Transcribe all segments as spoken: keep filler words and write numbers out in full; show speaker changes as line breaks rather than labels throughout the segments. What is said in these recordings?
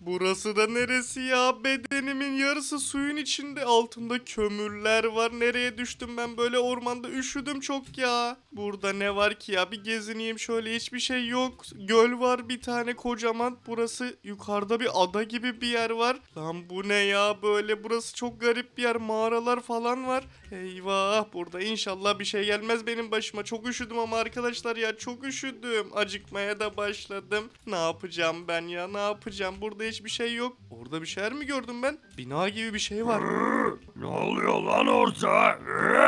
Burası da neresi ya? Bedenimin yarısı suyun içinde. Altımda kömürler var. Nereye düştüm ben böyle ormanda? Üşüdüm çok ya. Burada ne var ki ya? Bir gezineyim şöyle, hiçbir şey yok. Göl var bir tane kocaman. Burası yukarıda bir ada gibi bir yer var. Lan bu ne ya böyle? Burası çok garip bir yer. Mağaralar falan var. Eyvah, burada inşallah bir şey gelmez benim başıma. Çok üşüdüm ama arkadaşlar ya, çok üşüdüm. Acıkmaya da başladım. Ne yapacağım ben ya, ne yapacağım? Burada hiçbir şey yok. Orada bir şeyler mi gördüm ben? Bina gibi bir şey var.
Ne oluyor lan orada?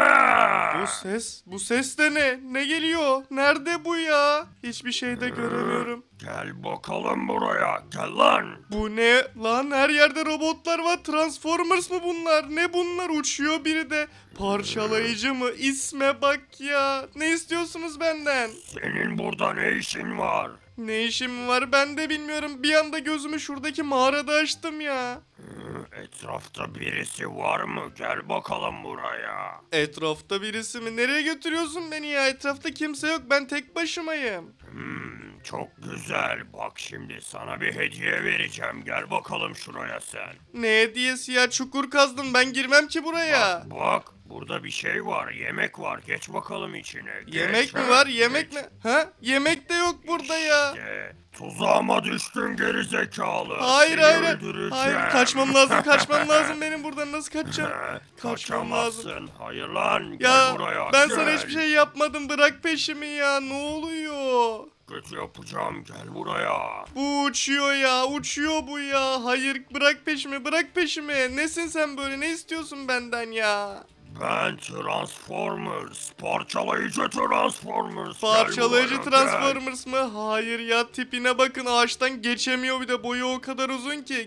Bu ses, bu ses de ne? Ne geliyor? Nerede bu ya? Hiçbir şey de göremiyorum.
Gel bakalım buraya. Gel lan.
Bu ne lan? Her yerde robotlar var. Transformers mı bunlar? Ne bunlar? Uçuyor biri de. Parçalayıcı mı? İsme bak ya. Ne istiyorsunuz benden?
Senin burada ne işin var?
Ne işim var ben de bilmiyorum. Bir anda gözümü şuradaki mağarada açtım ya.
Etrafta birisi var mı? Gel bakalım buraya.
Etrafta birisi mi? Nereye götürüyorsun beni ya? Etrafta kimse yok. Ben tek başımayım.
Hmm, çok güzel. Bak şimdi sana bir hediye vereceğim. Gel bakalım şuraya sen.
Ne hediyesi ya? Çukur kazdım. Ben girmem ki buraya.
Bak bak. Burada bir şey var. Yemek var. Geç bakalım içine. Geç,
Yemek mi
ha,
var? Yemek
geç.
mi? Ha? Yemek de yok burada ya.
İşte, tuzağıma düştün geri zekalı.
Hayır
Seni
hayır.
öldüreceğim.
Hayır, kaçmam lazım. Kaçmam lazım benim buradan. Nasıl kaçacağım? Kaçmam
Kaçamazsın.
lazım.
Hayır lan.
Ya
Gel buraya.
ben
gel.
sana hiçbir şey yapmadım. Bırak peşimi ya. Ne oluyor?
Kötü yapacağım. Gel buraya.
Bu uçuyor ya. Uçuyor bu ya. Hayır, bırak peşimi. Bırak peşimi. Nesin sen böyle? Ne istiyorsun benden ya?
Ben Transformers. Parçalayıcı Transformers. Gel
Parçalayıcı
buraya, gel.
Transformers mı? Hayır ya, tipine bakın, ağaçtan geçemiyor, bir de boyu o kadar uzun ki.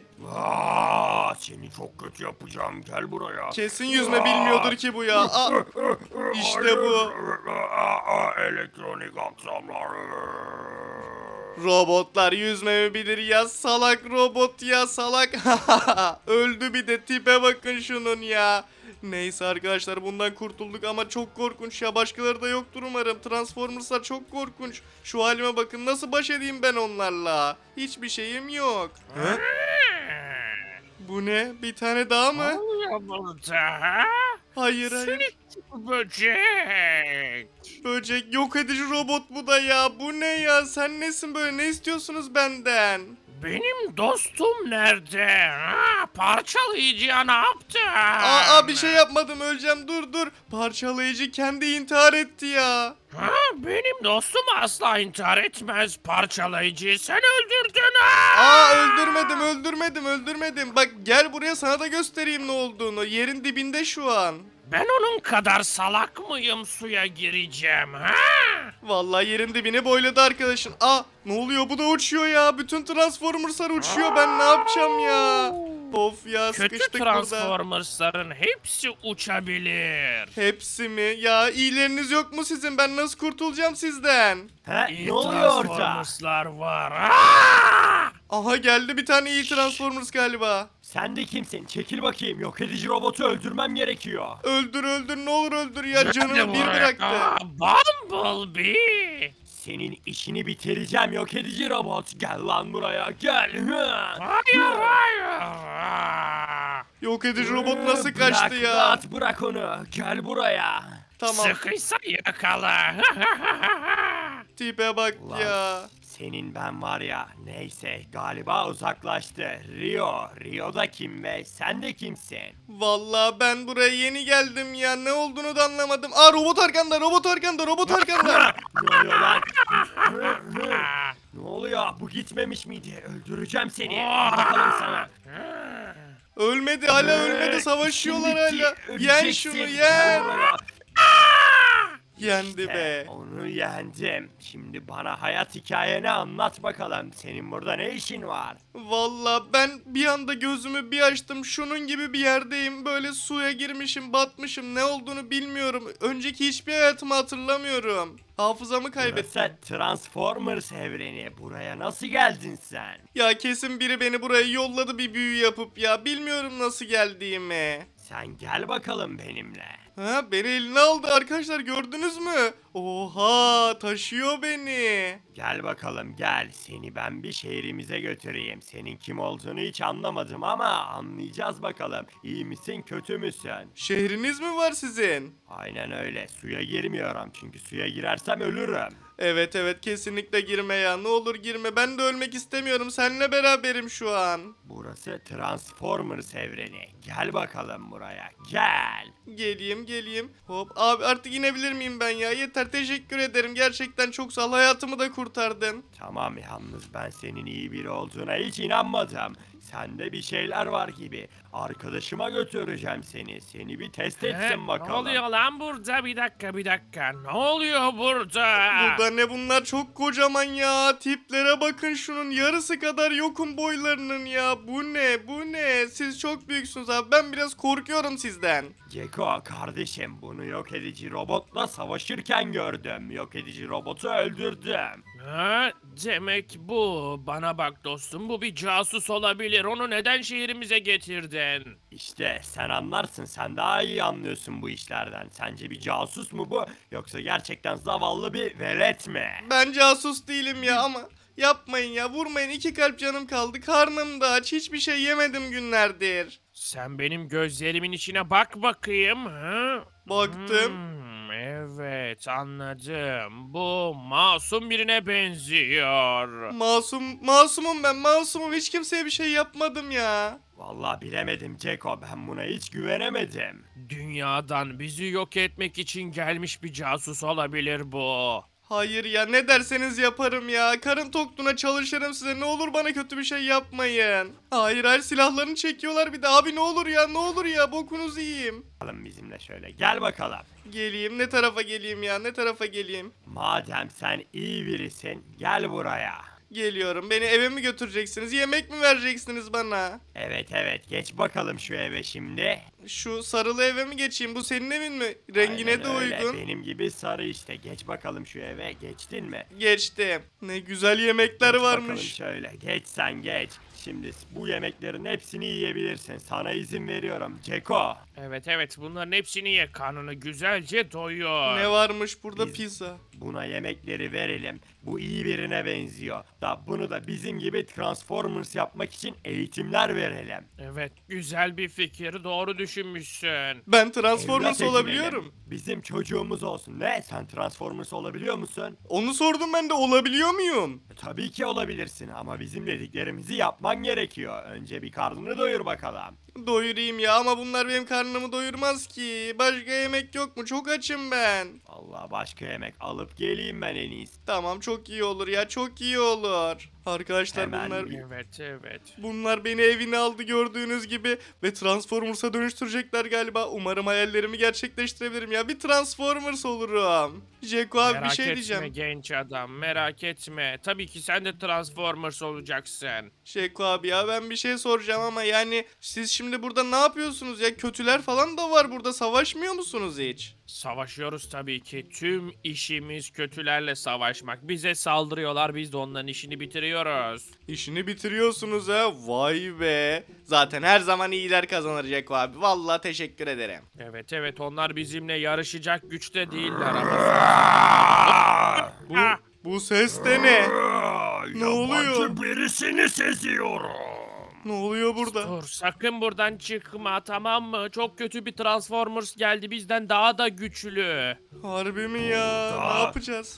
Aa, seni çok kötü yapacağım. Gel buraya.
Kesin yüzme bilmiyordur ki bu ya. Aa, işte bu.
Aa, elektronik aksamlar.
Robotlar yüzme mi bilir ya, salak robot ya, salak. Öldü bir de, tipe bakın şunun ya. Neyse arkadaşlar, bundan kurtulduk ama çok korkunç ya, başkaları da yoktur umarım. Transformers'lar çok korkunç. Şu halime bakın, nasıl baş edeyim ben onlarla? Hiçbir şeyim yok. He? Bu ne? Bir tane daha mı?
Ne oluyor burada ha?
Hayır hayır.
Seni böcek.
Böcek, yok edici robot bu da ya. Bu ne ya? Sen nesin böyle? Ne istiyorsunuz benden?
Benim dostum nerede? Ha? Parçalayıcıya ne yaptın?
Aa, bir şey yapmadım, öleceğim, dur dur. Parçalayıcı kendi intihar etti ya.
Ha? Benim dostum asla intihar etmez. Parçalayıcıyı sen öldürdün ha?
Aa, öldürmedim öldürmedim öldürmedim. Bak gel buraya, sana da göstereyim ne olduğunu. Yerin dibinde şu an.
Ben onun kadar salak mıyım suya gireceğim ha?
Vallahi yerin dibini boyladı arkadaşın. Aa, ne oluyor, bu da uçuyor ya. Bütün Transformers'lar uçuyor, ben ne yapacağım ya? Of ya,
Kötü
sıkıştık burada.
Transformers'ların hepsi uçabilir.
Hepsi mi? Ya iyileriniz yok mu sizin? Ben nasıl kurtulacağım sizden?
He,
İyi
ne oluyor orada?
Transformers'lar var. Aa!
Aha, geldi bir tane iyi Transformers galiba.
Sen de kimsin? Çekil bakayım. Yok edici robotu öldürmem gerekiyor.
Öldür öldür, ne olur öldür ya, canımı
Hadi
bir
buraya.
bıraktı.
Aa, Bumblebee.
Senin işini bitireceğim yok edici robot. Gel lan buraya gel. Hı.
Hayır hayır. Aa!
Yok edici robot nasıl
Bırak
kaçtı ya?
At bırak onu. Gel buraya.
Tamam,
Sıkıysa yakala.
tipe bak
Ulan.
ya.
Senin ben var ya. Neyse galiba uzaklaştı. Rio. Rio da kim be? Sen de kimsin?
Vallahi ben buraya yeni geldim ya, ne olduğunu da anlamadım. Aa, robot arkanda, robot arkanda, robot arkanda.
Ne oluyor lan? Hı, hı. Ne oluyor? Bu gitmemiş miydi? Öldüreceğim seni. Bakalım sana.
Ölmedi, hala ölmedi, savaşıyorlar
Şimdi
hala.
ki
Yen
öleceksin.
şunu,
Gel
yen.
buraya.
Yendi be.
İşte onu yendim. Şimdi bana hayat hikayeni anlat bakalım. Senin burada ne işin var?
Vallahi ben bir anda gözümü bir açtım, şunun gibi bir yerdeyim. Böyle suya girmişim, batmışım, ne olduğunu bilmiyorum. Önceki hiçbir hayatımı hatırlamıyorum. Hafızamı kaybettim.
Burası Transformers evreni. Buraya nasıl geldin sen?
Ya kesin biri beni buraya yolladı bir büyü yapıp ya. Bilmiyorum nasıl geldiğimi.
Sen gel bakalım benimle.
Ha, beni eline aldı arkadaşlar, gördünüz mü? Oha, taşıyor beni.
Gel bakalım gel. Seni ben bir şehrimize götüreyim. Senin kim olduğunu hiç anlamadım ama anlayacağız bakalım. İyi misin kötü müsün?
Şehriniz mi var sizin?
Aynen öyle. Suya girmiyorum çünkü suya girersem ölürüm.
Evet evet, kesinlikle girme ya, ne olur girme, ben de ölmek istemiyorum, seninle beraberim şu an.
Burası Transformers evreni. Gel bakalım buraya. Gel.
Geleyim geleyim. Hop abi, artık inebilir miyim ben ya? Yeter, teşekkür ederim, gerçekten çok sağ ol, hayatımı da kurtardın.
Tamam yalnız ben senin iyi biri olduğuna hiç inanmadım. Sende bir şeyler var gibi. Arkadaşıma götüreceğim seni. Seni bir test
He,
etsin
ne
bakalım.
oluyor lan burada? Bir dakika bir dakika. Ne oluyor burada?
Burada ne bunlar, çok kocaman ya, tiplere bakın, şunun yarısı kadar yokum boylarının ya. Bu ne bu ne, siz çok büyüksünüz abi, ben biraz korkuyorum sizden.
Ceko kardeşim bunu yok edici robotla savaşırken gördüm. Yok edici robotu öldürdüm.
Ha, demek bu. Bana bak dostum, bu bir casus olabilir. Onu neden şehrimize getirdin?
İşte sen anlarsın, sen daha iyi anlıyorsun bu işlerden. Sence bir casus mu bu yoksa gerçekten zavallı bir velet mi?
Ben casus değilim ya, ama yapmayın ya, vurmayın, iki kalp canım kaldı, karnım da aç, hiçbir şey yemedim günlerdir.
Sen benim gözlerimin içine bak bakayım. Ha?
Baktım.
Hmm, evet anladım. Bu masum birine benziyor.
Masum, masumum ben, masumum, hiç kimseye bir şey yapmadım ya.
Vallahi bilemedim Ceko, ben buna hiç güvenemedim.
Dünyadan bizi yok etmek için gelmiş bir casus olabilir bu.
Hayır ya, ne derseniz yaparım ya. Karın tokluğuna çalışırım size. Ne olur bana kötü bir şey yapmayın. Hayır hayır, silahlarını çekiyorlar bir de. Abi ne olur ya, ne olur ya, bokunuzu yiyeyim.
Bakalım bizimle şöyle gel bakalım.
Geleyim, ne tarafa geleyim ya, ne tarafa geleyim.
Madem sen iyi birisin gel buraya.
Geliyorum, beni eve mi götüreceksiniz, yemek mi vereceksiniz bana?
Evet evet geç bakalım şu eve şimdi.
Şu sarılı eve mi geçeyim, bu senin evin mi? Rengine
Aynen
de
öyle,
uygun.
benim gibi sarı işte. Geç bakalım şu eve, geçtin mi?
Geçtim. Ne güzel yemekler
Geç bakalım
varmış.
şöyle, geç sen geç. Şimdi bu yemeklerin hepsini yiyebilirsin. Sana izin veriyorum Ceko.
Evet evet, bunların hepsini ye, karnını güzelce doyur.
Ne varmış burada?
Biz-
Pizza.
Buna yemekleri verelim. Bu iyi birine benziyor. Da bunu da bizim gibi Transformers yapmak için eğitimler verelim.
Evet, güzel bir fikir, doğru düşünmüşsün.
Ben Transformers
Evlat
olabiliyorum.
edinelim. Bizim çocuğumuz olsun. Ne? Sen Transformers olabiliyor musun?
Onu sordum ben de, olabiliyor muyum?
E, Tabii ki olabilirsin ama bizim dediklerimizi yapman gerekiyor. Önce bir karnını doyur bakalım.
Doyurayım ya, ama bunlar benim karnımı doyurmaz ki. Başka yemek yok mu? Çok açım ben.
Allah başka yemek alıp geleyim ben en iyisi.
Tamam, çok iyi olur ya, çok iyi olur. Arkadaşlar
Hemen
bunlar
bir-
Evet evet.
bunlar beni evine aldı gördüğünüz gibi ve Transformers'a dönüştürecekler galiba. Umarım hayallerimi gerçekleştirebilirim ya. Bir Transformers olurum. Jeko abi,
Merak
bir şey
etme
diyeceğim.
genç adam, merak etme. Tabii ki sen de Transformers olacaksın.
Jeko abi ya, ben bir şey soracağım ama yani siz şimdi burada ne yapıyorsunuz ya? Kötüler falan da var burada, savaşmıyor musunuz hiç?
Savaşıyoruz tabii ki. Tüm işimiz kötülerle savaşmak. Bize saldırıyorlar, biz de onların işini bitiriyoruz.
İşini bitiriyorsunuz ha. Vay be. Zaten her zaman iyiler kazanır Jeko abi. Vallahi teşekkür ederim.
Evet evet, onlar bizimle yarışacak güçte değiller ama...
Bu, bu ses de ne?
Ne
oluyor?
birisini seziyorum.
Ne oluyor burada?
Dur, sakın buradan çıkma, tamam mı? Çok kötü bir Transformers geldi, bizden daha da güçlü.
Harbi mi ya?
Burada.
Ne yapacağız?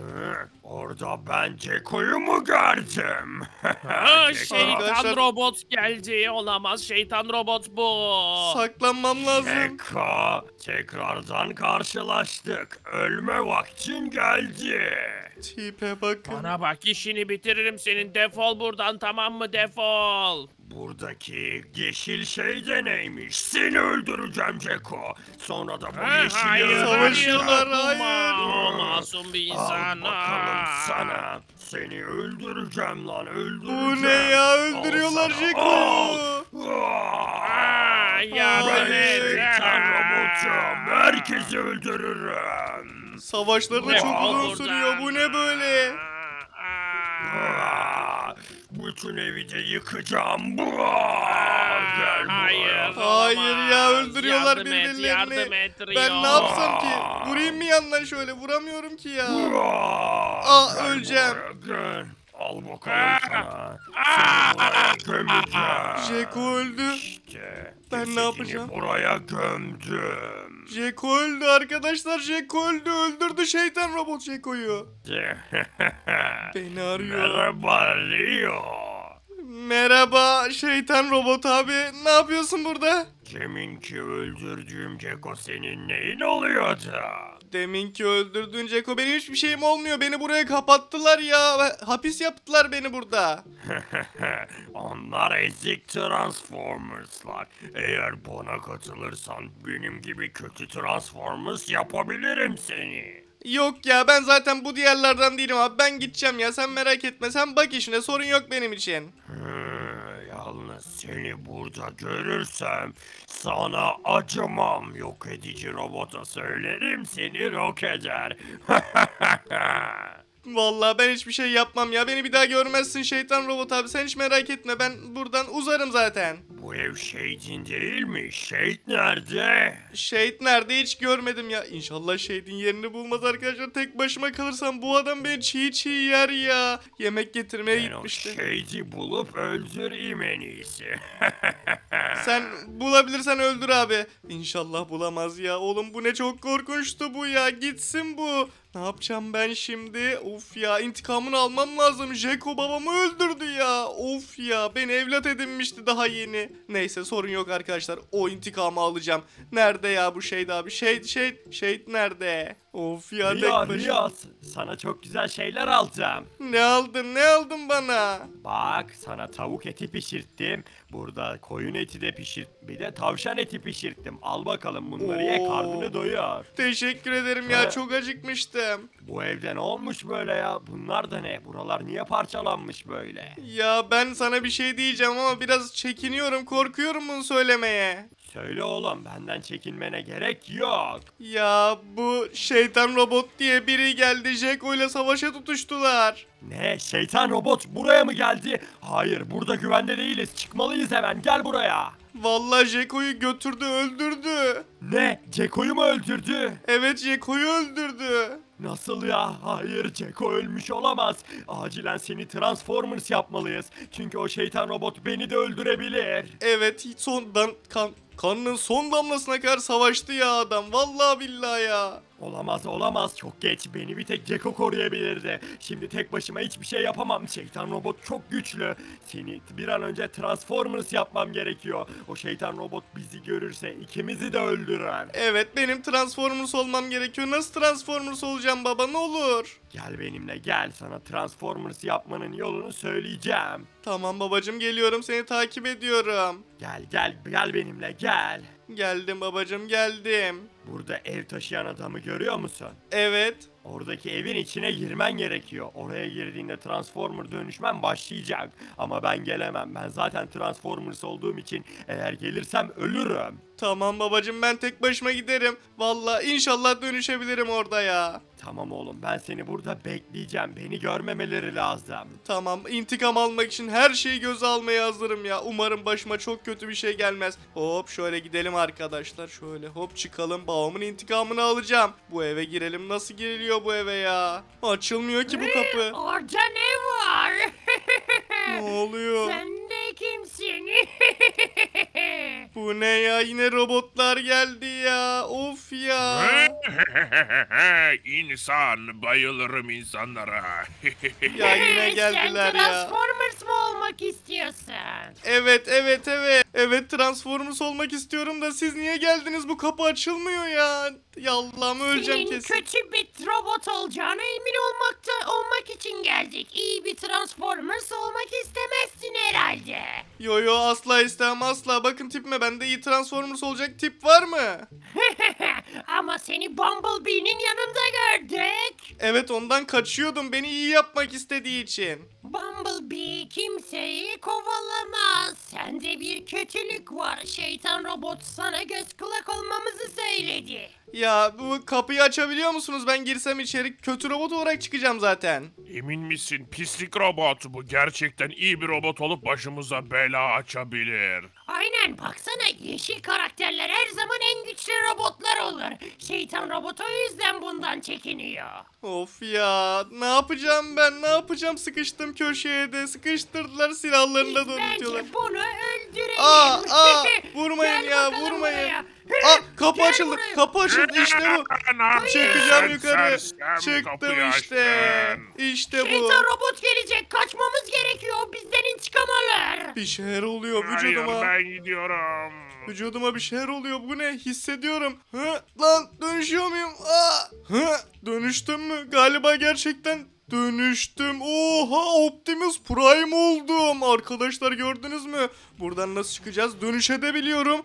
Orada ben Ceko'yu mu gördüm?
Ha,
Ceko.
şeytan
Arkadaşlar-
robot geldi. Olamaz, şeytan robot bu.
Saklanmam lazım.
Ceko, tekrardan karşılaştık. Ölme vaktin geldi.
Tipe bakın.
Bana bak, işini bitiririm senin. Defol buradan, tamam mı? Defol.
Buradaki yeşil şey de neymiş? Seni öldüreceğim Ceko. Sonra da bu
Ha,
yeşili
hayır,
Savaşıyorlar,
hayır.
hayır.
O masum bir
Al
insan.
bakalım
Aa.
sana. Seni öldüreceğim lan öldüreceğim.
Bu ne ya? Öldürüyorlar
Al sana,
Jeko'yu.
al.
Aa, yardım
Ben
et.
şeytan
Aa.
robotum. Herkesi öldürürüm.
Savaşları da
Ne
çok
oldu
uzun
buradan?
sürüyor. Bu ne böyle?
Aa.
Aa, Bütün evi de yıkacağım. Buaa! Gel
Hayır.
buraya.
Hayır ya,
olamaz.
öldürüyorlar
Yardım et,
birbirlerini.
yardım et Rio.
Ben ne yapsam ki? Vurayım mı yandan şöyle? Vuramıyorum ki ya.
Buaa!
Aa,
Gel
öleceğim.
buraya, gel. Al bakalım sana. Seni buraya gömeceğim.
Jeko öldü.
İşte
Ben ne
cesedini
yapacağım?
buraya gömdüm.
Jeko öldü arkadaşlar. Jeko öldü. Öldürdü şeytan robot Jeko'yu. Beni arıyor.
Merhaba Rio.
Merhaba şeytan robot abi. Ne yapıyorsun burada?
Deminki öldürdüğüm Ceko senin neyin oluyordu?
Deminki öldürdüğün Jeko, benim hiçbir şeyim olmuyor. Beni buraya kapattılar ya. Hapis yaptılar beni burada.
Onlar ezik Transformers'lar. Eğer bana katılırsan benim gibi kötü Transformers yapabilirim seni.
Yok ya, ben zaten bu diğerlerden değilim abi. Ben gideceğim ya, sen merak etme. Sen bak işine, sorun yok benim için.
Hı, yalnız seni burada görürsem sana acımam. Yok edici robota söylerim, seni yok eder.
Vallahi ben hiçbir şey yapmam ya. Beni bir daha görmezsin şeytan robot abi. Sen hiç merak etme, ben buradan uzarım zaten.
Bu ev Shade'in değil mi? Shade nerede?
Shade nerede, hiç görmedim ya. İnşallah Shade'in yerini bulmaz arkadaşlar. Tek başıma kalırsam bu adam beni çiğ çiğ yer ya. Yemek getirmeye
Ben o
gitmişti.
Shade'i bulup öldüreyim en iyisi.
Sen bulabilirsen öldür abi. İnşallah bulamaz ya. Oğlum bu ne çok korkunçtu bu ya. Gitsin bu. Ne yapacağım ben şimdi? Of ya, intikamını almam lazım. Jeko babamı öldürdü ya. Of ya, beni evlat edinmişti daha yeni. Neyse, sorun yok arkadaşlar. O intikamı alacağım. Nerede ya bu Shade abi? Shade, Shade, Shade nerede? Of ya, tek
Riyad,
başına.
Riyad, sana çok güzel şeyler alacağım.
Ne aldın, ne aldın bana?
Bak, sana tavuk eti pişirttim. Burada koyun eti de pişirt. Bir de tavşan eti pişirttim. Al bakalım, bunları ye,
Oo.
karnını doyur.
Teşekkür ederim ya,
Ha.
çok acıkmıştım.
Bu evde ne olmuş böyle ya? Bunlar da ne? Buralar niye parçalanmış böyle?
Ya ben sana bir şey diyeceğim ama biraz çekiniyorum, korkuyorum bunu söylemeye.
Söyle oğlum, benden çekinmene gerek yok.
Ya bu şeytan robot diye biri geldi, Jeko ile savaşa tutuştular.
Ne? Şeytan robot buraya mı geldi? Hayır, burada güvende değiliz. Çıkmalıyız hemen. Gel buraya.
Vallahi Jeko'yu götürdü, öldürdü.
Ne? Ceko'yu mu öldürdü?
Evet, Jeko'yu öldürdü.
Nasıl ya? Hayır, Ceko ölmüş olamaz. Acilen seni Transformers yapmalıyız. Çünkü o şeytan robot beni de öldürebilir.
Evet, hiç sondan kan kanının son damlasına kadar savaştı ya adam. Vallahi billahi ya.
Olamaz olamaz, çok geç. Beni bir tek Ceko koruyabilirdi. Şimdi tek başıma hiçbir şey yapamam. Şeytan robot çok güçlü. Seni bir an önce Transformers yapmam gerekiyor. O şeytan robot bizi görürse ikimizi de öldürür.
Evet, benim Transformers olmam gerekiyor. Nasıl Transformers olacağım baba, ne olur?
Gel benimle gel, sana Transformers yapmanın yolunu söyleyeceğim.
Tamam babacım, geliyorum, seni takip ediyorum.
Gel gel gel benimle gel.
Geldim babacım, geldim.
Burada ev taşıyan adamı görüyor musun?
Evet.
Oradaki evin içine girmen gerekiyor. Oraya girdiğinde Transformer dönüşmen başlayacak. Ama ben gelemem. Ben zaten Transformers olduğum için eğer gelirsem ölürüm.
Tamam babacım, ben tek başıma giderim. Vallahi inşallah dönüşebilirim orada ya.
Tamam oğlum, ben seni burada bekleyeceğim. Beni görmemeleri lazım.
Tamam, intikam almak için her şeyi göze almaya hazırım ya. Umarım başıma çok kötü bir şey gelmez. Hop şöyle gidelim arkadaşlar. Şöyle hop çıkalım. Babamın intikamını alacağım. Bu eve girelim. Nasıl giriliyor bu eve ya? Açılmıyor ki bu kapı.
Orada ne var?
Ne oluyor?
Sen de kimsin?
Bu ne ya? Yine robotlar geldi ya. Of ya.
İnsan, bayılırım insanlara.
Ya yine geldiler
Sen
ya.
Transformers mı olmak istiyorsun?
Evet evet evet. Evet, Transformers olmak istiyorum da siz niye geldiniz? Bu kapı açılmıyor ya. Ya Allah'ım, öleceğim
Senin
kesin.
kötü bir robot olacağına emin olmakta olmak için geldik. İyi bir Transformers olmak istemezsin herhalde.
Yo yo, asla istemem asla. Bakın tipime, bende iyi Transformers olacak tip var mı?
Ama seni Bumblebee'nin yanında gördük.
Evet, ondan kaçıyordum beni iyi yapmak istediği için.
Bumblebee kimseyi kovalamaz. Sende bir kötülük var. Şeytan robot sana göz kulak olmamızı söyledi.
Ya bu kapıyı açabiliyor musunuz? Ben girsem içeri kötü robot olarak çıkacağım zaten.
Emin misin pislik robot bu gerçekten iyi bir robot olup başımıza bela açabilir.
Aynen, baksana, yeşil karakterler her zaman en güçlü robotlar olur. Şeytan robot o yüzden bundan çekiniyor.
Of ya, ne yapacağım ben? Ne yapacağım? Sıkıştım köşeye de. Sıkıştırdılar, silahlarını da
Biz
doğrultuyorlar.
bence bunu öldürelim.
Aa, aa, vurmayın
Gel
ya,
bakalım
vurmayın.
buraya.
Aa, kapı
Gel
açıldı.
buraya.
Kapı açıldı. İşte bu.
Ne yapıyorsun
Çıkacağım
sen
yukarı.
sersem?
Çıktım
Kapıyı
işte.
açtın.
İşte bu.
Şeytan robot gelecek. Kaçmamız gerekiyor. Bizden intikam alır.
Bir şeyler oluyor
Hayır
vücuduma.
ben gidiyorum.
Vücuduma bir şeyler oluyor. Bu ne? Hissediyorum. Hı? Lan dönüşüyor muyum? Aa! Hı? Dönüştüm mü? Galiba gerçekten dönüştüm. Oha, Optimus Prime oldum. Arkadaşlar gördünüz mü? Buradan nasıl çıkacağız? Dönüşebiliyorum.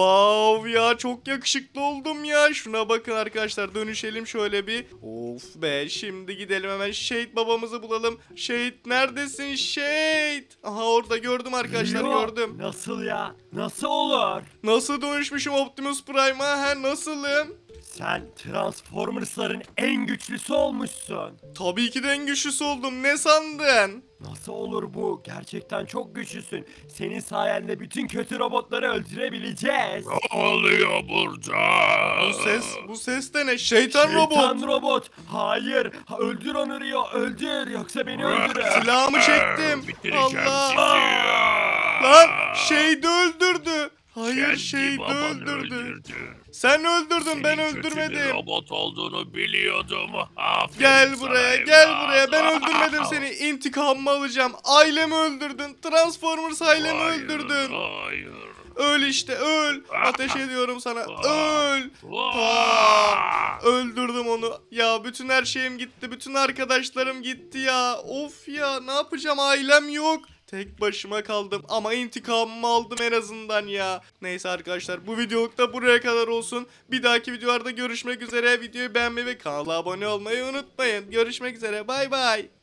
Wow ya, çok yakışıklı oldum ya. Şuna bakın arkadaşlar, dönüşelim şöyle bir. Of be, şimdi gidelim hemen Shade babamızı bulalım. Shade neredesin Shade? Aha, orada gördüm arkadaşlar,
Rio,
gördüm.
Nasıl ya? Nasıl olur?
Nasıl dönüşmüşüm Optimus Prime'a? Ha, nasılım?
Sen Transformers'ların en güçlüsü olmuşsun.
Tabii ki de en güçlüsü oldum. Ne sandın?
Nasıl olur bu? Gerçekten çok güçlüsün. Senin sayende bütün kötü robotları öldürebileceğiz.
Ne oluyor burada?
Bu ses, bu ses de ne? Şeytan,
Şeytan
robot.
robot. Hayır. Ha, öldür onu Rio. Öldür. Yoksa beni öldürür.
Silahımı çektim.
Bitireceğim
Allah.
sizi.
Lan Shade'i öldürdü. Hayır,
Kendi
Shade'i
babanı
öldürdü.
öldürdü.
Sen öldürdün, ben
Senin kötü bir
öldürmedim.
robot olduğunu biliyordum. Aferin
Gel
sana
buraya,
evlat.
gel buraya. Ben öldürmedim seni. İntikamımı alacağım. Ailemi öldürdün. Transformers ailemi
Hayır,
öldürdün.
Hayır.
Öl işte, öl. Ateş ediyorum sana. Öl.
Aa!
Aa, öldürdüm onu. Ya bütün her şeyim gitti. Bütün arkadaşlarım gitti ya. Of ya, ne yapacağım? Ailem yok. Tek başıma kaldım ama intikamımı aldım en azından ya. Neyse arkadaşlar, bu videoluk da buraya kadar olsun. Bir dahaki videolarda görüşmek üzere. Videoyu beğenmeyi ve kanala abone olmayı unutmayın. Görüşmek üzere, bay bay.